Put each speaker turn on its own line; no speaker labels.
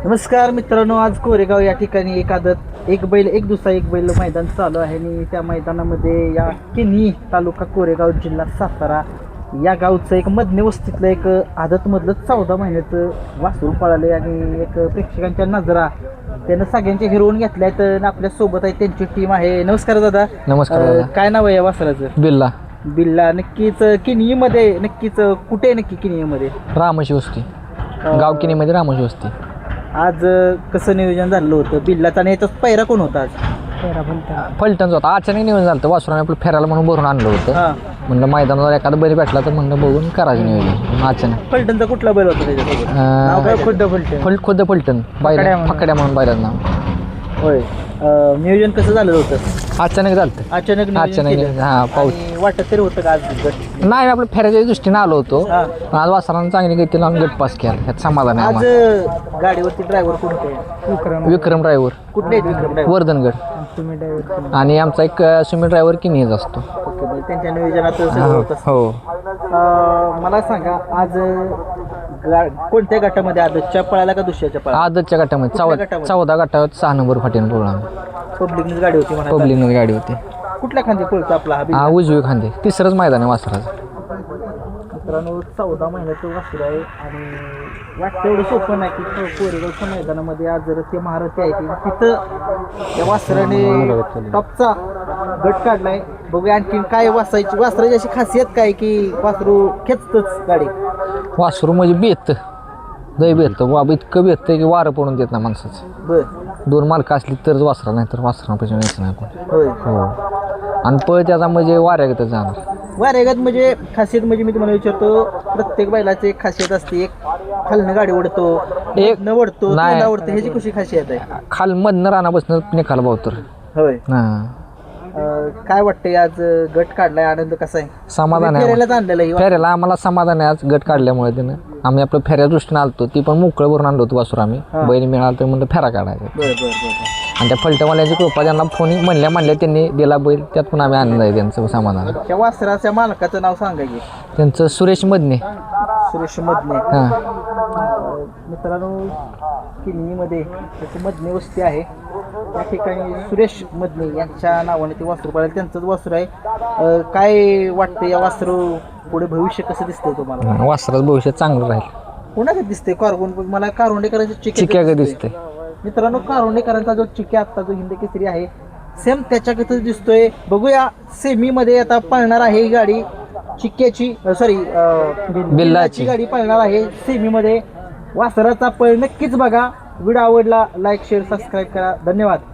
नमस्कार मित्रांनो, आज कोरेगाव या ठिकाणी एक बैल एक दुसरा एक बैल मैदान चालू आहे आणि त्या मैदानामध्ये या किन्ही तालुका कोरेगाव जिल्हा सातारा या गावचं एक मधने वस्तीतलं एक आदतमधलं 14 महिन्याचं वासरू पळाले आणि एक प्रेक्षकांच्या नजरा त्यानं सगळ्यांचे हिरवून घेतल्या तर आपल्यासोबत आहे त्यांची टीम आहे. नमस्कार दादा.
नमस्कार.
काय नाव आहे या वासराचं?
बिल्ला.
बिल्ला. नक्कीच किन्हीमध्ये नक्कीच कुठे नक्की किन्हीमध्ये?
रामोशी वस्ती, गाव किन्हीमध्ये रामोशी वस्ती.
आज कसं नियोजन झालं होतं बिल्लाचा आणि याचाच पैरा कोण होता आज?
फलटणचं होता. अचानक नियोजन झालं होतं. वासुराने आपलं फेरायला म्हणून भरून आणलं होतं. म्हणलं मैदानावर एखादा बैल भेटला तर म्हणलं बघून करायचं नियोजन. अचानक
फलटणचा कुठला बैल होता त्याच्यासोबत?
खुद्द फलटण बैल फकड्या म्हणून बैलाचं नाव.
होय. नियोजन कसं झालं होतं?
अचानक झालं.
अचानक.
हा, पाऊस
वाटत तरी होतं का आज गट?
नाही, आपलं फेऱ्याच्या दृष्टीने आलो होतो. पण आज वासरानं चांगली गती लावून गट पास केला. ह्यात समाधान आहे
आज
आम्हाला.
गाडीवरती ड्रायव्हर कोण होते?
विक्रम ड्रायव्हर.
कुठले आहेत विक्रम ड्रायव्हर?
वर्धनगड. आणि आमचा एक सुमित ड्रायव्हर किनीच असतो.
त्यांच्या नियोजनात सगळं होतं.
हो.
मला सांगा, आज कोणत्या गटामध्ये आदतच्या पळाला का दुसऱ्याच्या पळाला?
आदतच्या गटामध्ये 14 गटावर 6 नंबर फाटीनं पळून
पब्लिकनेच गाडी होती म्हणा.
पब्लिकनं गाडी होती.
कुठल्या खांदी पळतो आपला हा बिल्ला?
हा, उजवी खांदे. तिसरंच मैदान आहे वासराचं.
मित्रांनो, 14 महिन्याचं वासरू आहे आणि वाटतं एवढं सोपं नाही की कोरेगावच्या मैदानामध्ये आज जर ते महारथी आहे तिथं या वासराने टॉपचा गट काढलाय. बघूया आणखी काय वासराची अशी खासियत काय की वासरू खेचतच गाडी?
वासरू म्हणजे बेत दही बेतं बाबा, इतकं बेतं की वारं पडून देत ना माणसाचं.
बरं.
2 मालकं असली तरच वासरा, नाही तर वासरापासून यायचं नाही कोण.
होय.
हो. आणि पळ त्याचा म्हणजे वाऱ्यागतच जाणार.
वारेगत म्हणजे खासियत म्हणजे मी तुम्हाला विचारतो, प्रत्येक बैलाची एक खासियत असते. एक खालनं गाडी ओढतो, एक न ओढतो,
नाही.
ओढतो. ह्याची कशी खासियत आहे?
खाल मधनं रानापासून निकाल भावतर.
होय.
हां.
काय वाटतंय आज गट काढलाय, आनंद कसा आहे?
समाधान आहे.
फेऱ्यालाच आणलेलं आहे.
फेऱ्याला आम्हाला समाधान आहे आज गट काढल्यामुळे. त्यानं आम्ही आपलं फेऱ्या दृष्टीने आलतो. ती पण मोकळं भरून आणलो होतो वासरू आम्ही. बैल मिळाला तर म्हणलं फेरा काढायचा.
बरं.
आणि त्या फलटणवाल्याची कृपा, त्यांना फोन म्हणल्या त्यांनी दिला बैल. त्यात पण आम्ही आनंद आहे त्यांचं समाधान.
त्या वासराच्या मालकाचं नाव सांगा की?
त्यांचं सुरेश मदने.
सुरेश मदने.
हां.
मित्रांनो, किन्हीमध्ये त्याची मदने वस्ती आहे. त्या ठिकाणी सुरेश मदने यांच्या नावाने ते वासरू पळालं. त्यांचंच वासरू आहे. काय वाटतं या वासरू पुढे भविष्य कसं दिसतंय तुम्हाला?
वासराचं भविष्य चांगलं राहील.
कोणाकडे दिसतंय? मला कारवंडेकरांच्या
चिक्याकडे दिसतंय.
मित्रांनो, कारवंडेकरांचा जो चिक्या आत्ता जो हिंद केसरी आहे सेम त्याच्याकडे दिसतोय. बघूया सेमीमध्ये आता पळणार आहे ही गाडी चिक्याची, सॉरी बिल्लाची गाडी पळणार आहे सेमीमध्ये. वासराचा पळ नक्कीच बघा. व्हिडिओ आवडला लाईक शेअर सबस्क्राईब करा. धन्यवाद.